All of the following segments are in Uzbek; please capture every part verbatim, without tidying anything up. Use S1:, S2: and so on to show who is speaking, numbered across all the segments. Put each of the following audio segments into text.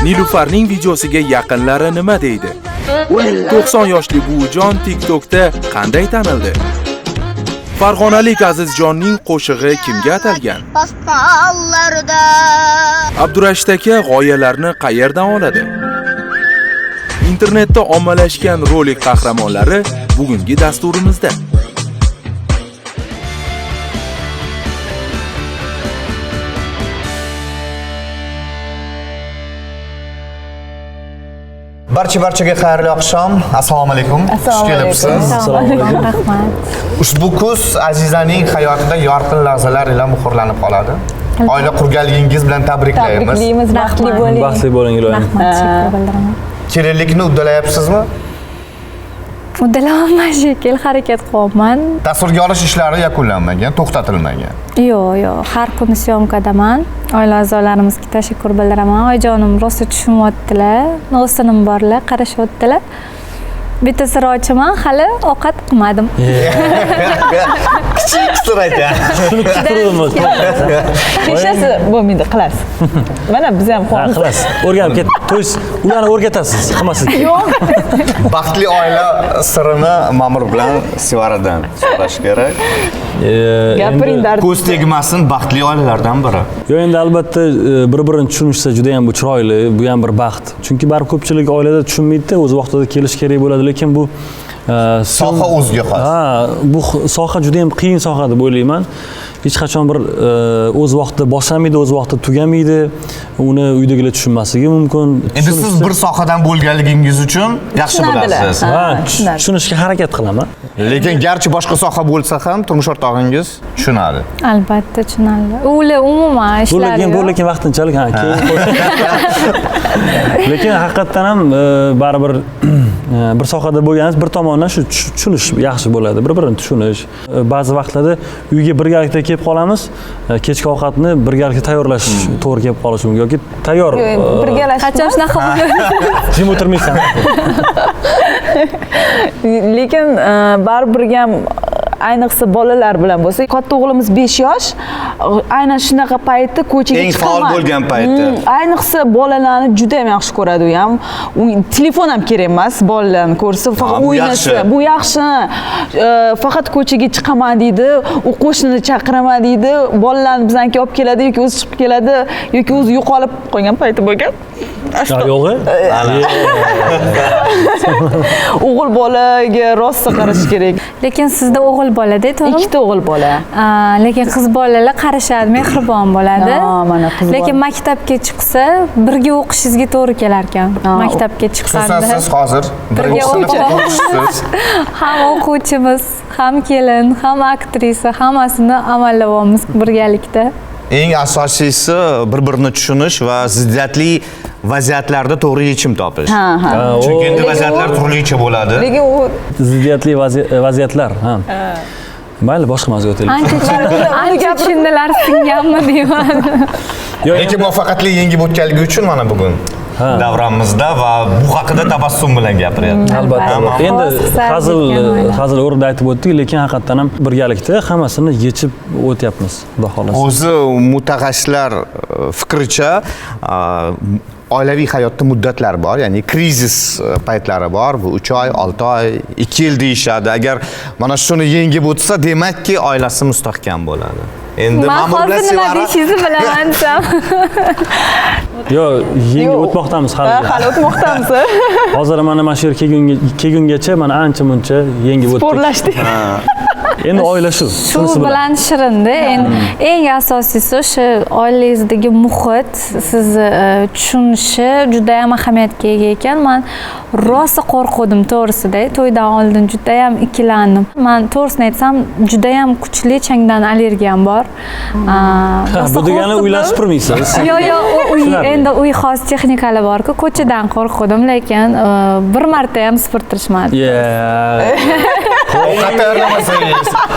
S1: Nilufarning videosiga yaqinlari nima deydi? to'qson yoshli buvijon TikTokda qanday tanildi? Farg'onalik Azizjonning qo'shig'i kimga atalgan? Abdurashid aka g'oyalarni qayerdan oladi? Internetda ommalashgan rolik qahramonlari bugungi dasturimizda.
S2: Barcha barchaga xayrli oqshom. Assalomu alaykum. Xush kelibsiz.
S3: Assalomu alaykum. Rahmat.
S2: Ushbu kuz Azizaning hayotida yorqin lahzalar bilan muhrlanib qoladi. Oila qurganligingiz bilan tabriklaymiz.
S3: Tabriklaymiz, baxtli bo'ling.
S4: Baxtli bo'ling iloyim.
S3: Rahmat, shukr bildiraman.
S2: Kelinlikni uddalayapsizmi?
S3: Uddalaman shekil, harakat qilyapman.
S2: Tasvirga olish ishlari yakunlanmagan, to'xtatilmagan.
S3: Yo'q, yo'q, har kuni syomkadaman. Oila a'zolarimizga tashakkur bildiraman. Oyijonim rosa tushunyaptilar. No'sinim borlar, qarashyaptilar. Bitta sir ochaman, hali ovqat qilmadim.
S2: Kichik sir aytay.
S4: Shuni kuttirdim o'zi.
S5: Hechasi bo'lmaydi, qilasiz. Mana biz ham
S4: Ha, qilasiz. O'rganib ket. To'ys, ularni o'rgatasiz, qilmaslik.
S5: Yo'q.
S2: Baxtli oila sirini Ma'mur bilan Sevaradan so'rash kerak.
S5: Gapiring dard.
S2: Ko'z tegmasin, baxtli oilalardan biri.
S4: Yo, endi albatta bir-birini tushunishsa juda ham bu chiroyli, bu ham bir baxt. Chunki baribir ko'pchilik oilada tushunmaydi, o'z vaqtida kelish kerak bo'ladi, lekin bu
S2: soha o'ziga xos.
S4: Ha, bu soha juda ham qiyin soha deb o'ylayman. Hech qachon bir o'z vaqtida boshlamaydi, o'z vaqtida tugamaydi. Uni uydagilar tushunmasligi mumkin.
S2: Endi siz bir sohadan bo'lganligingiz uchun yaxshi bilasiz.
S4: Ha, tushunishga harakat qilaman.
S2: Lekin garchi boshqa soha bo'lsa ham turmush o'rtog'ingiz tushunadi.
S3: Albatta tushunadi. Ular umuman ishlari.
S4: Lekin bu lekin vaqtinchalik, ha, keyin. Lekin haqiqatan ham baribir bir sohada bo'lganingiz bir tomondan shu tushunish yaxshi bo'ladi, bir-birini tushunish. Ba'zi vaqtlarda uyga birgalikda kelib qolamiz, kechki ovqatni birgalikda tayyorlash to'g'ri kelib qolishi mumkin yoki tayyor
S5: Birgalash.
S3: Qachon shunaqa bo'ladi?
S4: jim o'tirmaysan.
S5: Lekin baribir ham ayniqsa bolalar bilan bo'lsa, katta o'g'limiz besh yosh, aynan shunaqa paytda ko'chaga
S2: Eng
S5: chiqaman.
S2: faol bo'lgan payti.
S5: Ayniqsa bolalarni juda ham yaxshi ko'radi u ham. Telefon ham kerak emas, bolalarni ko'rsa, faqat
S2: bu
S5: o'ynasa.
S2: yaxshi.
S5: Bu yaxshi. Faqat ko'chaga chiqaman deydi, u qo'shnini chaqiraman deydi, bolalarni bizaniki olib keladi yoki o'zi chiqib keladi yoki o'zi yo'qolib qolgan payti bo'lgan.
S4: Yo'g'i?
S5: O'g'il bolaga rosa qarash kerak.
S3: Lekin sizda o'g'il bola-da, to'g'rimi?
S5: Ikkita o'g'il bola.
S3: Lekin qiz bolalar qarashadi, mehribon bo'ladi.
S5: Ha, mana qiz
S3: Lekin
S5: bola.
S3: maktabga chiqsa, birga o'qishingizga to'g'ri kelar ekan. Maktabga chiqqanda.
S2: Xususan siz hozir birinchi sinfda o'qishsiz.
S3: Ham o'quvchimiz, ham kelin, ham aktrisa, hammasini amallayapmiz birgalikda.
S2: Eng asosiysi bir-birini tushunish va ziddiyatli vaziyatlarda to'g'ri yechim topish.
S5: Ha, ha.
S2: Chunki endi
S5: Lekin
S2: vaziyatlar
S5: u-
S2: turlicha bo'ladi.
S5: Lekin u
S4: Ziddiyatli vaziyatlar, ha. Mayli, boshqa mavzuga o'taylik.
S3: Ancha ancha tushundilar singanmi deyman.
S2: Lekin muvaffaqiyatli yengib o'tganligi uchun mana bugun davramizda va bu haqida tabassum bilan gapiryapti.
S4: Albatta. Endi
S3: Hozir
S4: hazil
S3: ketgan
S4: hazil o'rnida aytib o'tdik, lekin haqiqatan ham birgalikda hammasini yechib o'tyapmiz, xudo xolasa.
S2: O'zi mutaxassislar fikricha oilaviy hayotda muddatlar bor, ya'ni krizis paytlari bor. Bu uch oy, olti oy, ikki yil deyishadi. Agar mana shuni yengib o'tsa, demakki oilasi mustahkam bo'ladi. Endi
S3: Men
S2: Ma'mur bilan
S3: hozir nima
S2: Sevara
S3: deyishingizni bilaman desam.
S4: Yo'q, yengib o'tmoqdamiz hali.
S5: hali o'tmoqdamiz.
S4: Hozir mana mana shu yerga kelgunga kelgungacha mana ancha muncha yengib o'tdik.
S5: Sporlashdik.
S4: Endi oila shu.
S3: Shu bilan shirinda. Endi eng asosiysi o'sha oilangizdagi muhit sizni tushunishi juda ham ahamiyatga ega ekan. Men rosa qo'rqdim to'g'risida. To'ydan oldin juda ham ikkilandim. Men to'g'risini aytsam, juda ham kuchli changdan allergiyam bor.
S4: Bu degani uylar supurmaysiz.
S3: Yo'q, yo'q, uy endi uy xos texnikalar bor-ku, ko'chadan qo'rqdim, lekin bir marta ham supurtirishmadi.
S4: Yeah.
S2: ovqat tayyorlamasangiz,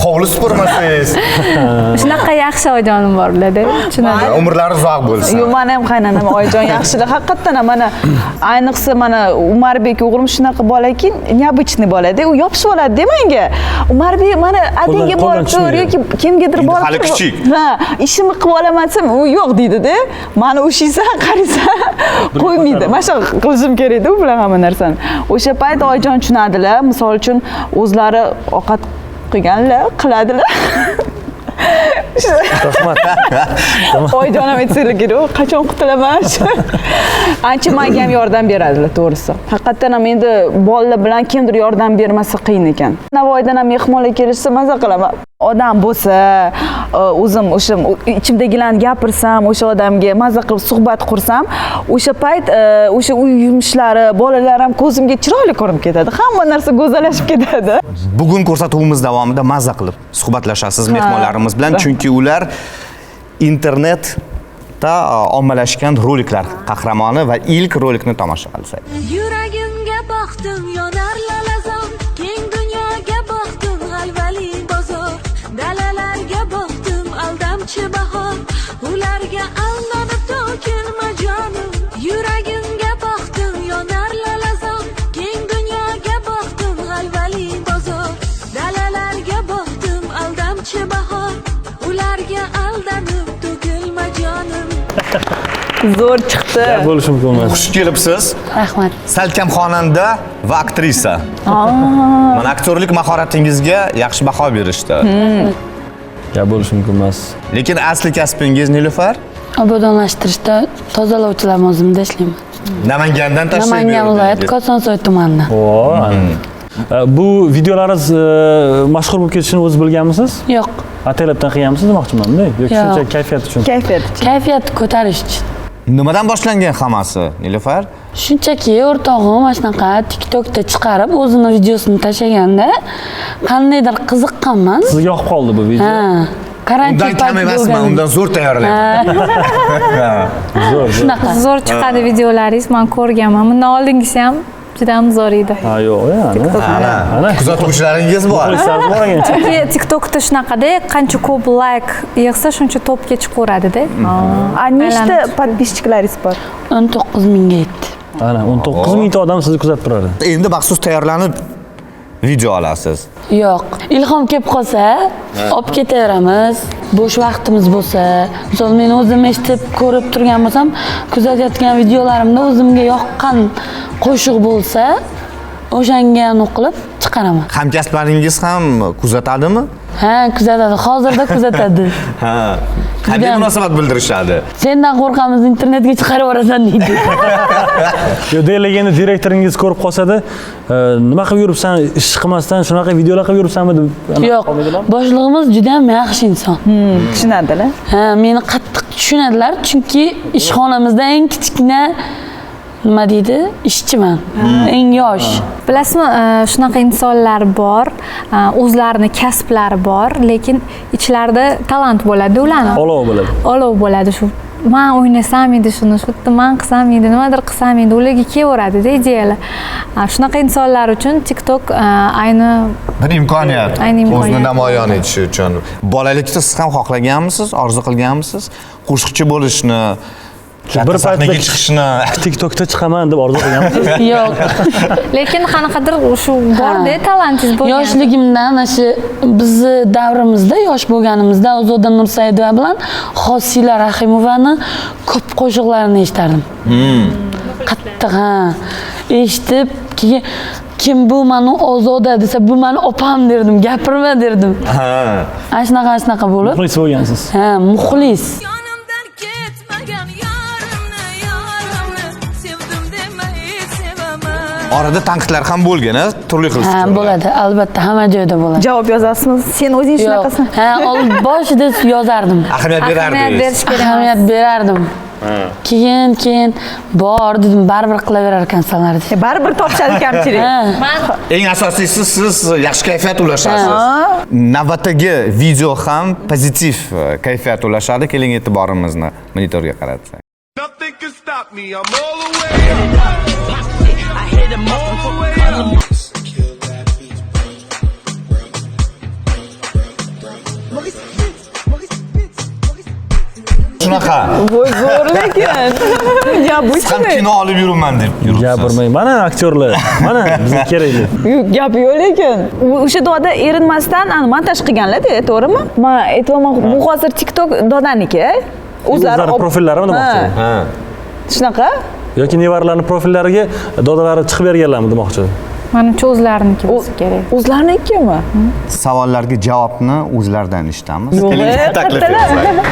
S2: hovli supurmasangiz,
S3: Shunaqa yaxshi ojonim bor ularda. Tushunadi.
S2: umrlari uzoq bo'lsin.
S5: Yo'q, mana ham qaynonam oyijon yaxshilar. Haqiqatdan ham mana ayniqsa mana Umarbek o'g'lim shunaqa bolaki, необычный bolada, u yopishib oladi-da menga. Umarbek mana adangga borib tur yoki kimgadir borib
S2: hali kichik.
S5: Ha, ishimni qilib olaman desam, u yo'q deydi-da. Mani o'shiysan, qaraysan, qo'ymaydi. Mana shu qilishim kerak-da u bilan hamma narsani. O'sha payt oyijon tushunadilar. Misol uchun o'zlari ovqat qilganlar, qiladilar.
S4: Rahmat.
S5: Oyijonim aytsangiz kerak, qachon qutulaman? Ancha menga ham yordam beradilar, to'g'risi. Haqiqatan ham endi bolalar bilan kimdir yordam bermasa qiyin ekan. Navoiydan ham mehmonlar kelishsa maza qilaman. Odam bo'lsa, o'zim o'sha ichimdagilarni gapirsam, o'sha odamga maza qilib suhbat qursam, o'sha payt o'sha uy yumushlari, bolalar ham ko'zimga chiroyli ko'rinib ketadi. Hamma narsa go'zallashib ketadi.
S2: Bugun ko'rsatuvimiz davomida mazza qilib suhbatlashasiz mehmonlarimiz bilan, chunki ular internetda ommalashgan roliklar qahramoni va ilk rolikni tomosha qilsak.
S6: Yuragimga boqdim, yonar lalazon, keng dunyoga boqdim, g'alvali bozor. Dalalarga boqdim, aldamchi bahor, ularga aldanib to'kilma jonim. Yuragimga boqdim, yonar lalazon, keng dunyoga boqdim, g'alvali bozor. Dalalarga boqdim, aldamchi bahor, ularga aldanib to'kilma jonim.
S5: Zo'r chiqdi.
S4: Bo'lishi mumkin emas.
S2: Xush kelibsiz.
S3: Rahmat.
S2: Salkam xonanda va aktrisa. Mana aktyorlik mahoratingizga yaxshi baho berishdi.
S4: Gap bo'lishi mumkin emas.
S2: Lekin asli kasbingiz Nilufar?
S7: Obodonlashtirishda tozalovchilar tizimida ishlayman.
S2: Namangandan tashrif
S7: Namangan viloyati Kosonsoy tumanidan.
S4: O, bu videolaringiz mashhur bo'lib ketishini o'zingiz bilganmisiz?
S7: Yo'q,
S4: Atelepdan qilganmisiz demoqchiman-da, yoki
S7: Yo'q.
S4: shuncha kayfiyat uchun?
S5: Kayfiyat.
S7: kayfiyatni ko'tarish uchun.
S2: Nimadan boshlangan hammasi, Nilufar?
S7: Shunchaki o'rtog'im mana shunaqa TikTokda chiqarib o'zini videosini tashlaganda qandaydir qiziqqanman.
S4: Sizga yoqib qoldi bu video?
S7: Ha. Karantin
S2: Undan kam emasman, undan zo'r tayyorlayman.
S4: Zo'r.
S7: Shunaqa.
S3: Zo'r chiqadi videolaringiz, men ko'rganman. Bundan oldingisi ham juda ham zo'r edi.
S4: Ha, yo'q, yani.
S2: Ana, kuzatuvchilaringiz bor.
S4: Muxlislar bor ekan.
S3: Chunki TikTokda shunaqada, qancha ko'p layk yig'sa, shuncha topga chiqaveradi-da.
S5: A nechta podpischiklaringiz bor?
S7: o'n to'qqiz mingga yetdi.
S4: Ana, o'n to'qqiz mingta odam sizni kuzatib turadi.
S2: Endi maxsus tayyorlanib video olasiz.
S7: Yo'q, ilhom kelib qolsa, olib ketaveramiz. Bo'sh vaqtimiz bo'lsa, misol men o'zim eshitib, ko'rib turgan bo'lsam, kuzatayotgan videolarimda o'zimga yoqqan qo'shiq bo'lsa, o'shanga o'qilib chiqaraman.
S2: Hamkasblaringiz ham kuzatadimi?
S7: Ha, kuzatadi. Hozirda kuzatadi.
S2: Ha. Qanday munosabat bildirishadi?
S7: Sendan qo'rqamiz, internetga chiqarib yuborasan deydi.
S4: Yo, deyilganda direktoringiz ko'rib qolsa-da, nima qilib yuribsan, ish qilmasdan shunaqa videolar qilib yuribsanmi deb.
S7: Yo'q, boshlig'imiz juda ham yaxshi inson.
S5: Tushunadilar.
S7: Ha, meni qattiq tushunadilar, chunki ishxonamizda eng kichkina nima deydi? Ishchiman. Eng yosh.
S3: Bilasizmi, shunaqa insonlar bor, o'zlarini kasblari bor, lekin ichlarida talant bo'ladi ularning.
S4: Olov bo'ladi.
S3: Olov bo'ladi shu. Men o'ynasam edi shuni, shu yerda men qilsam edi, nimadir qilsam edi, ularga kelaveradi-da ideyalar. Shunaqa insonlar uchun TikTok ayni
S2: Bir imkoniyat.
S3: Ayni imkoniyat.
S2: O'zini namoyon etish uchun. Bolalikda siz ham xohlaganmisiz, orzu qilganmisiz? Qo'shiqchi bo'lishni,
S4: Bir
S2: sahnaga chiqishni.
S4: TikTokda chiqaman deb orzu qilganmisiz?
S7: Yo'q.
S3: lekin qanaqadir shu bor-da, talantingiz bo'lgan.
S7: Yoshligimdan ana shu bizni davrimizda, yosh bo'lganimizda Ozoda Nursaidova bilan Hosila Rahimovani ko'p qo'shiqlarini eshitardim. Qattiq, ha. Eshitib, keyin kim bu mani Ozoda desa, bu mani opam derdim, gapirma derdim.
S2: Ha.
S7: Ana shunaqa shunaqa bo'lib.
S4: Muxlis bo'lgansiz.
S7: Ha, muxlis.
S6: Yonimdan ketmagan yorimni, yorimni sevdim demay sevaman.
S2: Orada tanqidlar ham bo'lgan, turli xil
S7: Ha,
S2: fikrlar.
S7: bo'ladi, albatta, hamma joyda bo'ladi.
S5: Javob yozasizmi? Sen o'zing
S7: Yo'q.
S5: shunaqasan.
S7: Ha, old boshida yozardim.
S2: Ahamiyat
S3: Ahamiyat
S2: berardingiz.
S3: berish kerak.
S7: Ahamiyat berardim. Keyin, keyin bor dedim, baribir qilaverar ekansanlar deb.
S5: Baribir topishadi kamchilik.
S7: Ha.
S2: Eng asosiysi siz yaxshi kayfiyat ulashasiz. Navbatdagi video ham pozitiv kayfiyat ulashadi. Keling e'tiborimizni monitorga qaratsak.
S8: Nothing can stop me. I'm all the way up. I hit them all the way up.
S2: shunaqa.
S5: Voy zo'r lekin. Ya bu
S2: Siz ham kino olib yuribman deb yuribsiz.
S4: Gapirmang. Mana aktyorlar. Mana bizga kerakli.
S5: Yo'q, gap yo'q lekin. O'sha doda erinmasdan ani montaj qilganlar-da, to'g'rimi? Men aytmoqman, bu hozir TikTok dodaniki.
S4: O'zlari profillarimi demoqchi?
S2: Ha.
S5: Shunaqa?
S4: Yoki nevarlarning profillariga dodalari chiqib berganlarmi demoqchi?
S3: Manimcha o'zlariniki bo'lsa kerak.
S5: O'zlarinikimi?
S2: Savollarga javobni o'zlaridan eshitamiz.
S5: Yo'q,
S2: taklif
S5: kattalar.
S2: etsak.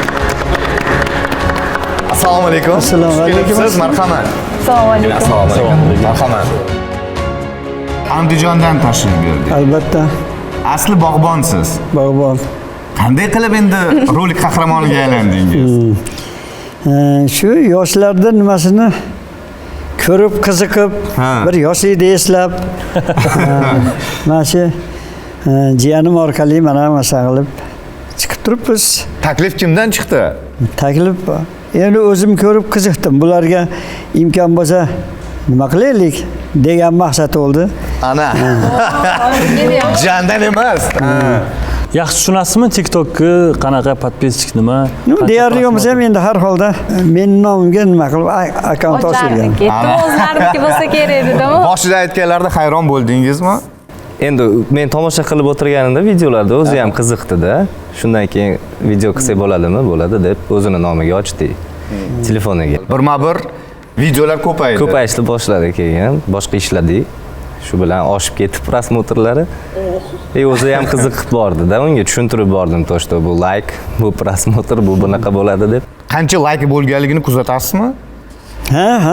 S2: Assalomu alaykum.
S9: Assalomu alaykum.
S2: Siz marhamat.
S5: Assalomu alaykum.
S2: Assalomu alaykum. Marhamat. Andijondan tashrif buyurdik.
S9: Albatta,
S2: Asli bog'bonsiz.
S9: bog'bon.
S2: Qanday qilib endi rolik qahramoniga aylandingiz?
S9: Ee, Shu yoshlarda nimasini ko'rib, qiziqib,
S2: Ha.
S9: bir yoshlikni eslab, mana shu e, jiyanim orqali mana masa qilib chiqib turibmiz.
S2: Taklif kimdan chiqdi?
S9: Taklif bor. Endi o'zim ko'rib qiziqdim. Bularga imkon bo'lsa nima qilaylik degan maqsad bo'ldi.
S2: Ana. Jandan emas.
S4: Yaxshi tushunasizmi TikTokni qanaqa podpisчик nima?
S9: Ну,
S4: qancha
S9: deyarli bo'lmasa ham
S4: prosmotr?
S9: endi har holda men nomimga nima qilib a- akkaunt ochilgan.
S3: O'zlariniki bo'lsa kerak dedimi?
S2: Boshida aytganlarda hayron bo'ldingizmi?
S10: Endi men tomosha qilib o'tirganimda videolarda o'zi ham qiziqdi-da. Shundan keyin video qilsak bo'ladimi? Bo'ladi deb o'zini nomiga ochdik. Telefoniga.
S2: Birma-bir videolar ko'paydi.
S10: Ko'payishni boshladi keyin, boshqa ishladik. Shu bilan oshib ketib prosmotrlari. E o'zi ham qiziqib bordi-da, unga tushuntirib bordim to'shto bu like, bu prosmotr, bu bunaqa bo'ladi deb.
S2: Qancha like bo'lganligini kuzatasizmi?
S9: Ha, ha.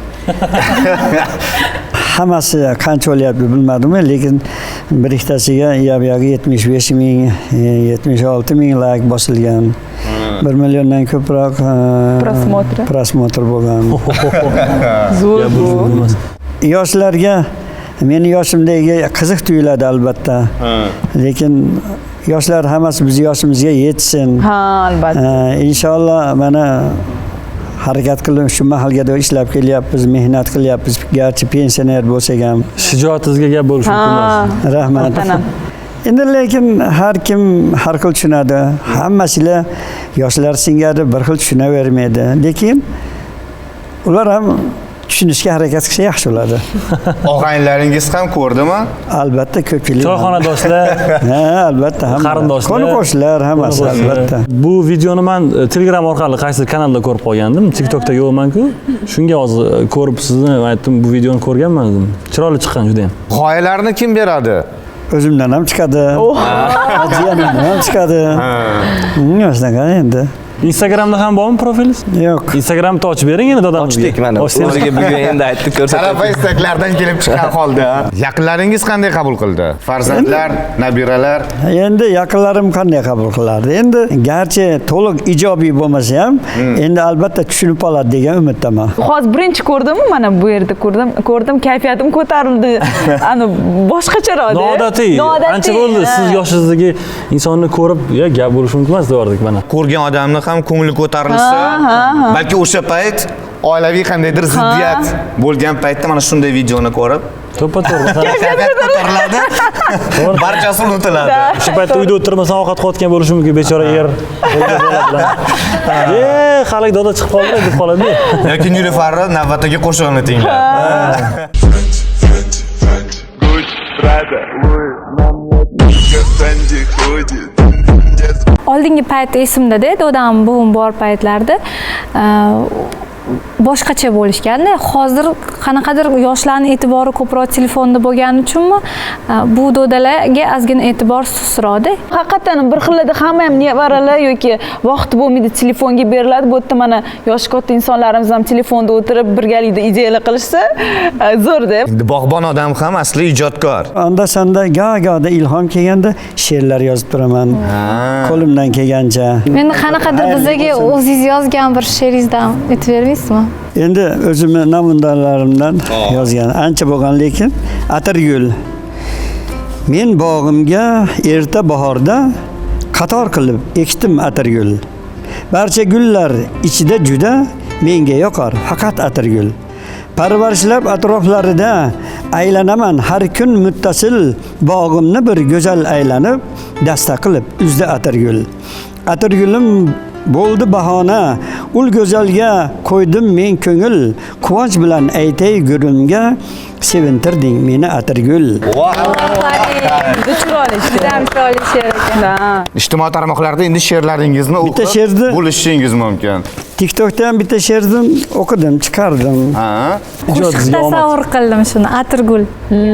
S9: Hammasi qancha bo'lyapti bilmadim, lekin bir ikkitasiga yab-yag'i yetmish besh ming, yetmish olti ming like bosilgan. bir milliondan ko'proq e,
S5: Prosmotr.
S9: prosmotr bo'lgan.
S5: Zo'r bu.
S9: Yoshlarga meni yoshimdagi qiziq tuyuladi albatta. Lekin yoshlar hammasi biz yoshimizga yetsin.
S5: Ha, albatta.
S9: E, Inshaalloh mana harakat qilib shu mahalga ishlab kelyapmiz, mehnat qilyapmiz. Garchi pensioner bo'lsak ham.
S4: Shijoatingizga gap bo'lishi mumkin emas.
S9: Rahmat.
S5: Muhtaram.
S9: Endi lekin har kim har xil tushunadi. Hammasilar yoshlar singari bir xil tushunavermaydi. Lekin ular ham tushunishga harakat qilsa yaxshi bo'ladi.
S2: Og'aynilaringiz ham ko'rdimi?
S9: Albatta ko'pchilik.
S4: Choyxonadoshlar,
S9: Ha, albatta hamma.
S4: qarindoshlar,
S9: Qo'ni qo'shnilar hammasi albatta.
S4: Bu videoni men e, Telegram orqali qaysi kanalda ko'rib qolgandim. TikTokda yo'qman-ku. Shunga hozir e, ko'rib sizni aytdim, bu videoni ko'rganman dedim. Chiroyli chiqqan juda ham.
S2: G'oyalarni kim beradi?
S9: O'zimdan ham chiqadi. Jiyanimdan ham chiqadi. Hmm, shunaqa endi.
S4: Instagramda ham bormi profilingiz?
S9: Yo'q.
S4: Instagramni ochib bering endi dadamizga.
S10: Ochdik mana. O'ziga bugun endi aytib ko'rsatdim.
S2: Talaba istaklardan kelib chiqqan holda. Yaqinlaringiz qanday qabul qildi? Farzandlar, nabiralar.
S9: Endi yaqinlarim qanday qabul qilardi? Endi garchi to'liq ijobiy bo'lmasa ham, endi albatta tushunib oladi degan umiddaman.
S5: Hozir birinchi ko'rdimmi? Mana bu yerda ko'rdim. Ko'rdim, kayfiyatim ko'tarildi. Ani boshqacharoq.
S4: Noodatiy. Ancha bo'ldi siz yoshingizdagi insonni ko'rib, ya gap bo'lishi mumkin emas deyordik mana.
S2: Ko'rgan odamni ham ko'ngli ko'tarilsa, balki o'sha payt oilaviy qandaydir ziddiyat bo'lgan paytda mana shunday videoni ko'rib,
S4: To'ppa-to'g'ri.
S2: kayfiyat ko'tariladi. Barchasi unutiladi.
S4: Shu paytda uyda o'tirmasdan ovqat qilayotgan bo'lishi mumkin, bechora er. E, hali doda chiqib qoldi deb qoladi.
S2: Yoki Nilufari navbatdagi qo'shig'ini tinglar.
S3: Oldingi payt esimda-da, dodam buvim bor paytlarda e, boshqacha bo'lishganda, hozir qanaqadir yoshlarning e'tibori ko'proq telefonda bo'lgani uchunmi, e, bu dodalarga ozgina e'tibor susroqda.
S5: Haqiqatan bir xillarda hamma ham nevaralar yoki vaqti bo'lmaydi telefonga beriladi. Bu yerda mana yoshi katta insonlarimiz ham telefonda o'tirib birgalikda ideyalar qilishsa e, zo'rda.
S2: Endi bog'bon odam ham asli ijodkor.
S9: Onda sanda goh-gohda ilhom kelganda she'rlar yozib turaman. Qo'limdan kelgancha.
S3: Endi qanaqadir bizga o'zingiz yozgan bir she'ringizdan aytib bermaysizmi?
S9: Endi o'zimni namunalarimdan yozgan ancha bo'lgan, lekin Atirgul. Men bog'imga erta bahorda qator qilib ekdim atirgul. Barcha gullar ichida juda menga yoqar faqat atirgul. Parvarishlab atroflarida aylanaman har kun muttasil, bog'imni bir go'zal aylanib dasta qilib uzdi atirgul. Atirgulim bo'ldi bahona, ul go'zalga qo'ydim men ko'ngil, quvonch bilan aytay gurimga, sevintirding meni atirgul.
S5: Juda chiroyli
S3: Juda ham chiroyli she'r ekan.
S2: Ijtimoiy tarmoqlarda endi she'rlaringizni
S9: Bitta
S2: o'qib
S9: she'rni
S2: bo'lishingiz mumkin.
S9: TikTokda ham bitta she'rni o'qidim, chiqardim.
S2: Ha?
S3: Qo'shiq tasavvur qildim shuni, atirgul.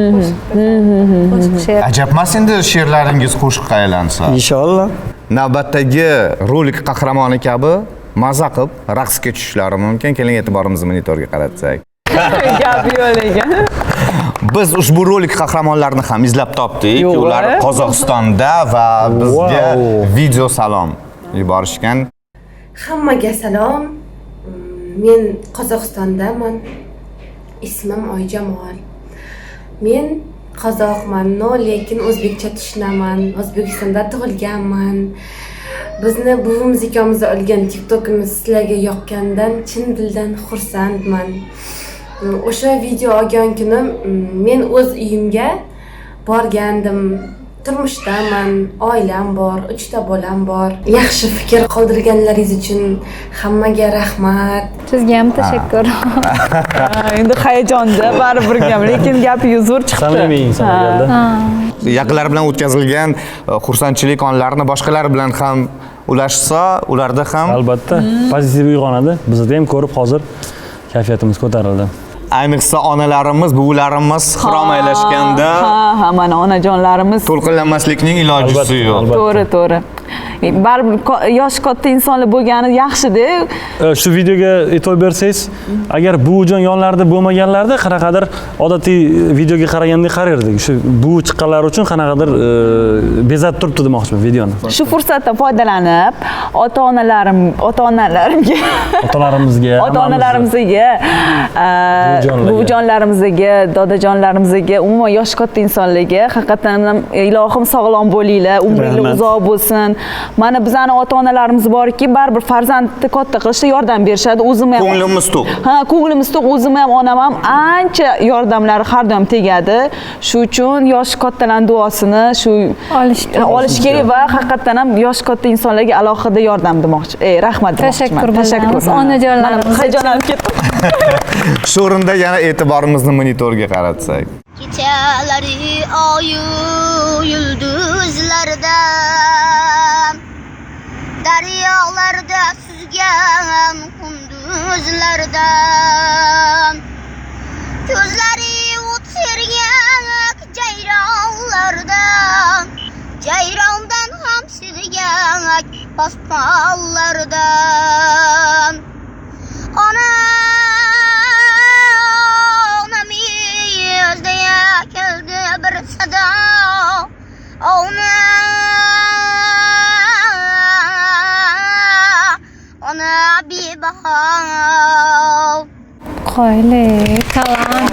S3: Qo'shiq she'r.
S2: Ajabmas endi she'rlaringiz qo'shiqqa aylansa.
S9: Inshaalloh.
S2: Navbatdagi rolik qahramoni kabi maza qilib raqsga tushishlari mumkin. Keling e'tiborimizni monitorga qaratsak.
S5: gap yo'q ekan.
S2: Biz ushbu rolik qahramonlarini ham izlab topdik. Ular Qozog'istonda va bizga video salom yuborishgan.
S11: Hammaga salom. Men Qozog'istondaman. Ismim Oyjamol. Men qozoqman, lekin o'zbekcha tushunaman. O'zbekistonda tug'ilganman. Bizni buvimiz ikkomiz olgan TikTokimiz sizlarga yoqqandan chin dildan xursandman. O'sha video olgan kuni men o'z uyimga borgandim. Turmushdaman, oilam bor, uchta bolam bor. Yaxshi fikr qoldirganlaringiz uchun hammaga rahmat.
S3: Sizga ham tashakkur.
S5: Endi hayajonda baribir ham, lekin gapi yuzur chiqdi.
S4: Samimiy inson keldi.
S2: Yaqinlar bilan o'tkazilgan xursandchilik onlarini boshqalar bilan ham ulashsa, ularda ham
S4: Albatta, pozitiv uyg'onadi. Bizda ham ko'rib hozir kayfiyatimiz ko'tarildi.
S2: ayniqsa onalarimiz, buvilarimiz xirom aylashganda
S5: Ha, ha, mana onajonlarimiz
S2: to'lqinlanmaslikning ilojisi yo'q.
S5: To'g'ri, to'g'ri. Baribir yosh katta insonlar bo'lgani yaxshi-da.
S4: Shu videoga e'tibor bersangiz, agar buvijon yonlarida bo'lmaganlarda qanaqadir odatiy videoga qaraganda qarardik. Shu buvi chiqqanlar uchun qanaqadir bezatib turibdi demoqchiman videoni.
S5: Shu fursatdan foydalanib, ota-onalarim, ota-onalarimga,
S4: Otalarimizga,
S5: ota-onalarimizga, buvijonlarimizga, dodajonlarimizga, umuman yosh katta insonlarga haqiqatan ham ilohim sog'lom bo'linglar, umringiz uzoq bo'lsin. Mana bizning ota-onalarimiz borki, baribir farzandni katta qilishda yordam berishadi. O'zim ham
S2: Ko'nglimiz to'q.
S5: Ha, ko'nglimiz to'q. O'zim ham, onam ham ancha yordamlari har doim tegadi. Shu uchun yosh kattalar duosini shu
S3: Olish kerak.
S5: olish kerak va haqiqatan ham yosh katta insonlarga alohida yordam demoqchi. Ey, rahmat demoqchiman.
S3: Tashakkur bildiramiz onajonlarimiz.
S5: Hayajonlanib ketdim.
S2: Shu o'rinda yana e'tiborimizni monitorga qaratsak.
S6: Kechalari oyu yulduzlarda daryolarda suzgan kunduzlarda ko'zlari o'tirgan jayronlarda jayrondan ham sevgan posponlarda ona keldi bir sada ona ona bir bahar
S3: Qo'yli, talant.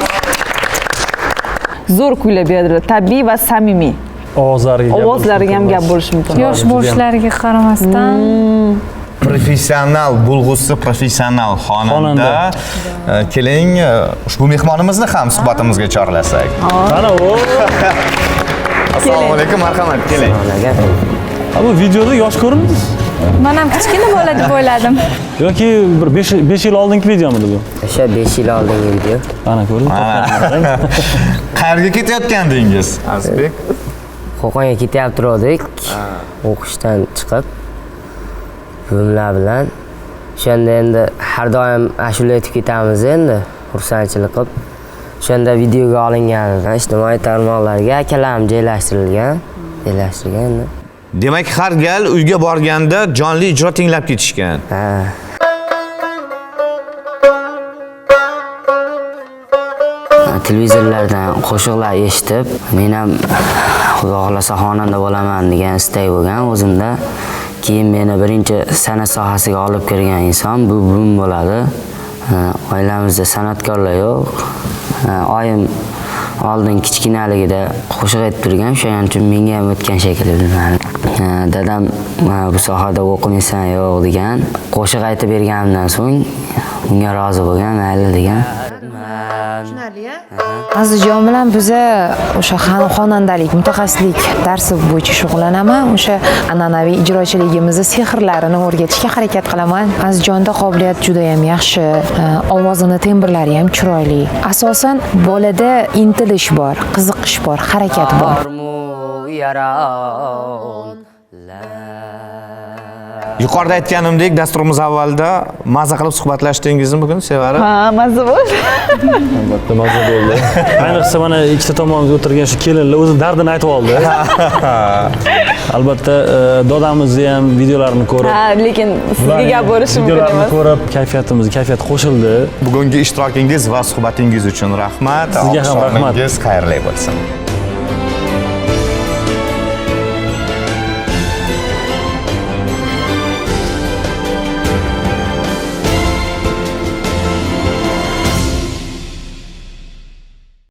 S5: Zo'r kuylab berdilar, tabiiy va samimiy.
S4: Ovozlariga
S5: Ovozlariga ham gap bo'lishi mumkin.
S3: Yosh bo'lishlariga qaramasdan
S2: Professional bo'lg'usi, professional xonanda. Keling, ushbu mehmonimizni ham suhbatimizga chorlasak.
S4: Mana u.
S2: Assalomu alaykum, marhamat, keling.
S4: Bu videoda yosh ko'rindingiz?
S3: men ham kichkina bola deb o'yladim.
S4: Yoki bir besh yil oldingi videomidi bu?
S12: O'sha besh yil oldingi video.
S4: Mana ko'rdingiz?
S2: Qayerga ketayotgandingiz, Azizbek?
S12: Qo'qonga ketyapti turdik. O'qishdan chiqib buvimlar bilan o'shanda endi har doim ashula aytib ketamiz endi xursandchilik qilib. O'shanda videoga olingan ijtimoiy tarmoqlarga akalarim joylashtirilgan, joylashtirgan endi.
S2: Demak, har gal uyga borganda jonli ijro tinglab ketishgan.
S12: Ha. Televizorlardan qo'shiqlar eshitib, men ham Xudo xolasa xonanda bo'laman degan istak bo'lgan o'zimda. Keyin meni birinchi san'at sohasiga olib kirgan inson bu buvim bo'ladi. Oilamizda san'atkorlar yo'q. Oyim oldin kichkinaligida qo'shiq aytib turgan, shuning uchun menga ham o'tgan shekilli bilmadim. Dadam bu sohada o'qimaysan yo'q degan. Qo'shiq aytib berganimdan so'ng unga rozi bo'lgan, mayli degan.
S11: tushunarli-a?
S13: Azizjon bilan biza o'sha xonandalik, mutaxassislik darsi bo'yicha shug'ullanaman. O'sha an'anaviy ijrochiligimizni sehrlarini o'rgatishga harakat qilaman. Azizjonda qobiliyat juda ham yaxshi, ovozini tembrlari ham chiroyli. Asosan bolada intilish bor, qiziqish bor, harakat bor.
S2: Yuqorida aytganimdek, dasturimiz avvalida mazza qilib suhbatlashdingizni bugun Sevara?
S5: Ha, mazza bo'ldi.
S4: Albatta mazza bo'ldi. Ayniqsa mana ikkita tomonda o'tirgan shu kelinlar o'zi dardini aytib oldi. Albatta dodamizni ham videolarini ko'rib.
S5: Ha, lekin sizga gap bo'lishi mumkin emas.
S4: Videolarini ko'rib kayfiyatimizga kayfiyat qo'shildi.
S2: Bugungi ishtirokingiz va suhbatingiz uchun rahmat.
S4: Sizga ham rahmat.
S2: Oqshomingiz xayrli bo'lsin.